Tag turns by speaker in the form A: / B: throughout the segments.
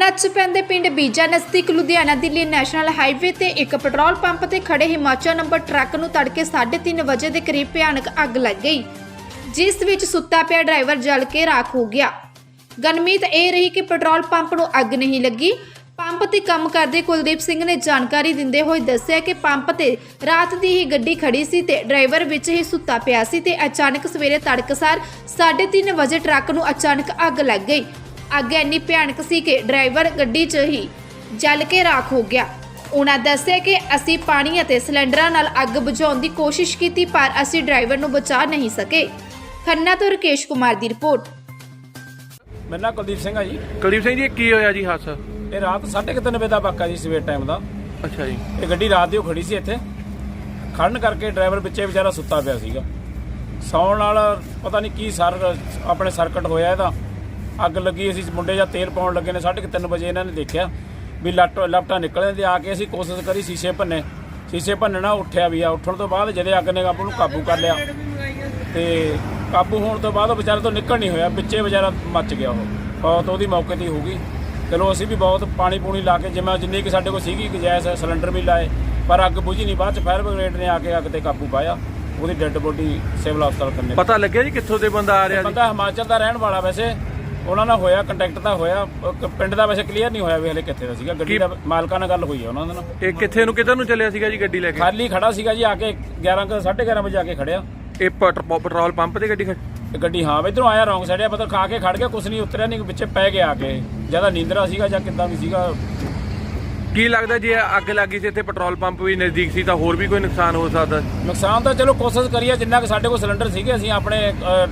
A: ਸਰਹੱਦ 'ਚ ਪੈਂਦੇ ਪਿੰਡ ਬੀਜਾ ਨਜ਼ਦੀਕ ਲੁਧਿਆਣਾ ਦਿੱਲੀ ਨੈਸ਼ਨਲ ਹਾਈਵੇ ਤੇ ਇੱਕ ਪੈਟਰੋਲ ਪੰਪ ਤੇ ਖੜੇ ਹਿਮਾਚਲ ਨੰਬਰ ਟਰੱਕ ਨੂੰ ਤੜਕੇ 3:30 ਵਜੇ ਦੇ ਕਰੀਬ ਭਿਆਨਕ ਅੱਗ ਲੱਗ ਗਈ, ਜਿਸ ਵਿੱਚ ਸੁੱਤਾ ਪਿਆ ਡਰਾਈਵਰ ਜਲ ਕੇ ਰਾਖ ਹੋ ਗਿਆ। ਗਨਮੀਤ ਇਹ ਰਹੀ ਕਿ ਪੈਟਰੋਲ ਪੰਪ ਨੂੰ ਅੱਗ ਨਹੀਂ ਲੱਗੀ। ਪੰਪ ਤੇ ਕੰਮ ਕਰਦੇ ਕੁਲਦੀਪ ਸਿੰਘ ਨੇ ਜਾਣਕਾਰੀ ਦਿੰਦੇ ਹੋਏ ਦੱਸਿਆ ਕਿ ਪੰਪ ਤੇ ਰਾਤ ਦੀ ਹੀ ਗੱਡੀ ਖੜੀ ਸੀ ਤੇ ਡਰਾਈਵਰ ਵਿੱਚ ਹੀ ਸੁੱਤਾ ਪਿਆ ਸੀ ਤੇ ਅਚਾਨਕ ਸਵੇਰੇ ਤੜਕਸਾਰ 3:30 ਵਜੇ ਟਰੱਕ ਨੂੰ ਅਚਾਨਕ ਅੱਗ ਲੱਗ ਗਈ। ਅੱਗ ਇੰਨੀ ਭਿਆਨਕ ਸੀ ਕਿ ਡਰਾਈਵਰ ਗੱਡੀ 'ਚ ਹੀ ਜਲ ਕੇ ਰਾਖ ਹੋ ਗਿਆ। ਉਹਨਾਂ ਦੱਸਿਆ ਕਿ ਅਸੀਂ ਪਾਣੀ ਅਤੇ ਸਿਲੰਡਰਾਂ ਨਾਲ ਅੱਗ ਬੁਝਾਉਣ ਦੀ ਕੋਸ਼ਿਸ਼ ਕੀਤੀ ਪਰ ਅਸੀਂ ਡਰਾਈਵਰ ਨੂੰ ਬਚਾ ਨਹੀਂ ਸਕੇ। ਖੰਨਾ ਤੋਂ ਰਕੇਸ਼ ਕੁਮਾਰ ਦੀ ਰਿਪੋਰਟ।
B: मेरा नाम कुलदीप सिंह है जी।
C: ਕੁਲਦੀਪ ਸਿੰਘ ਜੀ ਇਹ ਕੀ ਹੋਇਆ ਜੀ ਹਾਦਸਾ?
B: ये रात 3:30 ਵਜੇ ਦਾ ਵਾਕਾ ਜੀ, ਸਵੇਰ ਟਾਈਮ ਦਾ।
C: ਅੱਛਾ ਜੀ।
B: ਇਹ ਗੱਡੀ ਰਾਤ ਦੀ ਖੜੀ ਸੀ ਇੱਥੇ, ਖੜਨ ਕਰਕੇ ਡਰਾਈਵਰ ਵਿੱਚੇ ਵਿਚਾਰਾ ਸੁੱਤਾ ਪਿਆ ਸੀਗਾ। ਸੌਣ ਨਾਲ ਪਤਾ ਨਹੀਂ ਕੀ ਆਪਣੇ ਸਰਕਟ ਹੋਇਆ ਇਹਦਾ, ਅੱਗ ਲੱਗੀ। ਅਸੀਂ ਮੁੰਡੇ ਜਾਂ ਤੇਲ ਪਾਉਣ ਲੱਗੇ ਨੇ 3:30 ਵਜੇ ਇਹਨਾਂ ਨੇ ਦੇਖਿਆ ਵੀ ਲਪਟਾ ਨਿਕਲਣ ਦੇ। ਆ ਕੇ ਅਸੀਂ ਕੋਸ਼ਿਸ਼ ਕਰੀ ਸ਼ੀਸ਼ੇ ਭੰਨਣਾ, ਉੱਠਿਆ ਵੀ ਆ। ਉੱਠਣ ਤੋਂ ਬਾਅਦ ਜਦੋਂ ਅੱਗ ਨੇ ਨੂੰ ਕਾਬੂ ਕਰ ਲਿਆ ਤੇ ਕਾਬੂ ਹੋਣ ਤੋਂ ਬਾਅਦ ਉਹ ਵਿਚਾਰੇ ਤੋਂ ਨਿਕਲ ਨਹੀਂ ਹੋਇਆ, ਵਿੱਚੇ ਵਿਚਾਰਾ ਮੱਚ ਗਿਆ। ਉਹ ਬਹੁਤ ਉਹਦੀ ਮੌਕੇ 'ਤੇ ਹੋ ਗਈ। ਚਲੋ ਅਸੀਂ ਵੀ ਬਹੁਤ ਪਾਣੀ ਪੂਣੀ ਲਾ ਕੇ ਜਿੰਨੀ ਕਿ ਸਾਡੇ ਕੋਲ ਸੀਗੀ ਗੈਸ ਸਿਲੰਡਰ ਵੀ ਲਾਏ, ਪਰ ਅੱਗ ਬੁਝੀ ਨਹੀਂ। ਬਾਅਦ 'ਚ ਫਾਇਰ ਬ੍ਰਿਗੇਡ ਨੇ ਆ ਕੇ ਅੱਗ 'ਤੇ ਕਾਬੂ ਪਾਇਆ। ਉਹਦੀ ਡੈੱਡ ਬੋਡੀ ਸਿਵਲ ਹਸਪਤਾਲ ਕਰਨੇ।
C: ਪਤਾ ਲੱਗਿਆ ਜੀ ਕਿੱਥੋਂ ਦੇ ਬੰਦਾ ਆ ਰਿਹਾ?
B: ਬੰਦਾ ਹਿਮਾਚਲ ਦਾ ਰਹਿਣ ਵਾਲਾ, ਵੈਸੇ ਉਹਨਾਂ ਨਾਲ ਹੋਇਆ ਕੰਟੈਕਟ ਤਾਂ ਹੋਇਆ, ਪਿੰਡ ਦਾ ਵੈਸੇ ਕਲੀਅਰ ਨਹੀਂ ਹੋਇਆ ਵੀ ਹਲੇ ਕਿੱਥੇ ਦਾ ਸੀਗਾ। ਗੱਡੀ ਦਾ ਮਾਲਕਾਂ ਨਾਲ ਗੱਲ ਹੋਈ ਹੈ ਉਹਨਾਂ ਦੇ ਨਾਲ।
C: ਇਹ ਕਿੱਧਰ ਨੂੰ ਚੱਲਿਆ ਸੀਗਾ ਜੀ ਗੱਡੀ ਲੈ ਕੇ?
B: ਖਾਲੀ ਖੜਾ ਸੀਗਾ ਜੀ, ਆ ਕੇ 11:30 ਵਜੇ ਆ ਕੇ ਖੜਿਆ।
C: ਇਹ ਪੈਟਰੋਲ ਪੰਪ ਤੇ ਗੱਡੀ
B: ਹਾਂ ਇਧਰੋਂ ਆਇਆ ਰੌਂਗ ਸਾਈਡ, ਪਤਾ ਖਾ ਕੇ ਖੜ ਗਿਆ, ਕੁਛ ਨਹੀਂ ਉਤਰਿਆ ਨਹੀਂ, ਵਿੱਚੇ ਪੈ ਗਿਆ ਆ ਕੇ। ਜਿਆਦਾ ਨੀਂਦਰਾ ਸੀਗਾ ਜਾਂ ਕਿੱਦਾਂ ਵੀ ਸੀਗਾ।
C: ਕੀ ਲੱਗਦਾ ਜੇ ਅੱਗ ਲੱਗੀ ਸੀ ਇੱਥੇ ਪੈਟਰੋਲ ਪੰਪ ਵੀ ਨਜ਼ਦੀਕ ਸੀ ਤਾਂ ਹੋਰ ਵੀ ਕੋਈ ਨੁਕਸਾਨ ਹੋ ਸਕਦਾ?
B: ਨੁਕਸਾਨ ਤਾਂ ਚਲੋ ਕੋਸ਼ਿਸ਼ ਕਰੀਏ, ਜਿੰਨਾ ਕਿ ਸਾਡੇ ਕੋਲ ਸਿਲੰਡਰ ਸੀਗੇ ਅਸੀਂ ਆਪਣੇ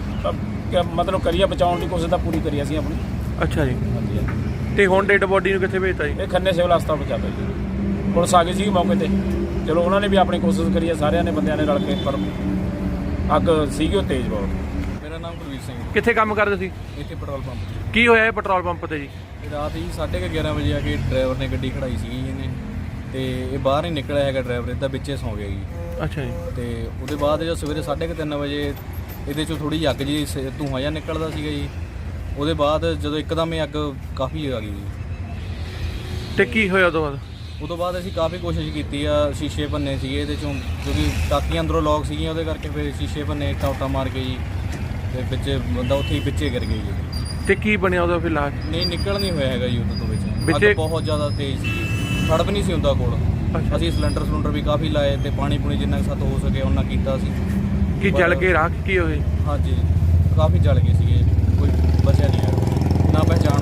B: ਮਤਲਬ ਕਰੀਏ ਬਚਾਉਣ ਦੀ ਕੋਸ਼ਿਸ਼ ਤਾਂ ਪੂਰੀ ਕਰੀ ਅਸੀਂ ਆਪਣੀ।
C: ਅੱਛਾ ਜੀ।
B: ਹਾਂਜੀ।
C: ਤੇ ਹੁਣ ਡੈਡ ਬੋਡੀ ਨੂੰ ਕਿੱਥੇ ਭੇਜਤਾ ਜੀ?
B: ਇਹ ਖੰਨੇ ਸਿਵਲ ਹਸਪਤਾਲ ਪਹੁੰਚਾਤਾ ਜੀ। ਪੁਲਿਸ ਆ ਗਈ ਸੀ ਮੌਕੇ ਤੇ। ਚਲੋ ਉਹਨਾਂ ਨੇ ਵੀ ਆਪਣੀ ਕੋਸ਼ਿਸ਼ ਕਰੀ ਹੈ, ਸਾਰਿਆਂ ਨੇ ਬੰਦਿਆਂ ਨੇ ਰਲ ਕੇ, ਪਰ ਅੱਗ ਸੀਗੀ ਉਹ ਤੇਜ਼ ਬਹੁਤ।
D: ਮੇਰਾ ਨਾਮ ਕੁਲਦੀਪ ਸਿੰਘ।
C: ਕਿੱਥੇ ਕੰਮ ਕਰਦੇ ਸੀ?
D: ਇੱਥੇ ਪੈਟਰੋਲ ਪੰਪ।
C: ਕੀ ਹੋਇਆ ਇਹ ਪੈਟਰੋਲ ਪੰਪ ਤੇ ਜੀ?
D: ਰਾਤ ਹੀ 11:30 ਵਜੇ ਆ ਕੇ ਡਰਾਈਵਰ ਨੇ ਗੱਡੀ ਖੜਾਈ ਸੀਗੀ ਇਹਨੇ, ਤੇ ਇਹ ਬਾਹਰ ਨਹੀਂ ਨਿਕਲਿਆ ਹੈਗਾ ਡਰਾਈਵਰ, ਇਹਦਾ ਵਿੱਚੇ ਸੌਂ ਗਿਆ ਜੀ।
C: ਅੱਛਾ ਜੀ।
D: ਤੇ ਉਹਦੇ ਬਾਅਦ ਜਦੋਂ ਸਵੇਰੇ 3:30 ਵਜੇ ਇਹਦੇ 'ਚੋਂ ਥੋੜੀ ਜਿਹੀ ਅੱਗ ਜੀ ਧੂੰਆਂ ਜਿਹਾ ਨਿਕਲਦਾ ਸੀਗਾ ਜੀ। ਉਹਦੇ ਬਾਅਦ ਜਦੋਂ ਇੱਕਦਮ ਇਹ ਅੱਗ ਕਾਫੀ ਆ ਗਈ ਜੀ।
C: ਤੇ ਕੀ ਹੋਇਆ ਉਦੋਂ ਬਾਅਦ?
D: ਉਦੋਂ ਬਾਅਦ ਅਸੀਂ ਕਾਫੀ ਕੋਸ਼ਿਸ਼ ਕੀਤੀ ਆ, ਸ਼ੀਸ਼ੇ ਭੰਨੇ ਸੀਗੇ ਇਹਦੇ 'ਚੋਂ, ਕਿਉਂਕਿ ਟਾਕੀਆਂ ਅੰਦਰੋਂ ਲੌਕ ਸੀਗੀਆਂ, ਉਹਦੇ ਕਰਕੇ ਫਿਰ ਸ਼ੀਸ਼ੇ ਭੰਨੇ, ਟਾਉਟਾ ਮਾਰ ਕੇ ਜੀ, ਤੇ ਵਿੱਚ ਬੰਦਾ ਉੱਥੇ ਹੀ ਵਿੱਚੇ ਗਿਰ ਗਿਆ ਜੀ।
C: ਤੇ ਕੀ ਬਣਿਆ ਉਹਦਾ ਫਿਰ ਲਾਸ਼?
D: ਨਹੀਂ ਨਿਕਲ ਨਹੀਂ ਹੋਇਆ ਹੈਗਾ ਜੀ ਉਦੋਂ ਤੋਂ ਵਿੱਚ।
C: ਵਿੱਚੇ
D: ਅੱਗ ਬਹੁਤ ਜ਼ਿਆਦਾ ਤੇਜ਼ ਸੀ, ਫੜ ਵੀ ਨਹੀਂ ਸੀ ਹੁੰਦਾ ਕੋਲ। ਅਸੀਂ ਸਿਲੰਡਰ ਵੀ ਕਾਫੀ ਲਾਏ ਤੇ ਪਾਣੀ ਪੂਣੀ ਜਿੰਨਾ ਸਾਥ ਹੋ ਸਕੇ ਉਹਨਾਂ ਕੀਤਾ ਸੀ।
C: ਕੀ ਜਲ ਕੇ ਰਾਖ ਕੀ ਹੋਏ?
D: ਹਾਂਜੀ ਕਾਫੀ ਜਲ ਗਏ ਸੀਗੇ, ਕੋਈ ਬਚਿਆ ਨਹੀਂ ਹੈ, ਨਾ ਪਹਿਚਾਣ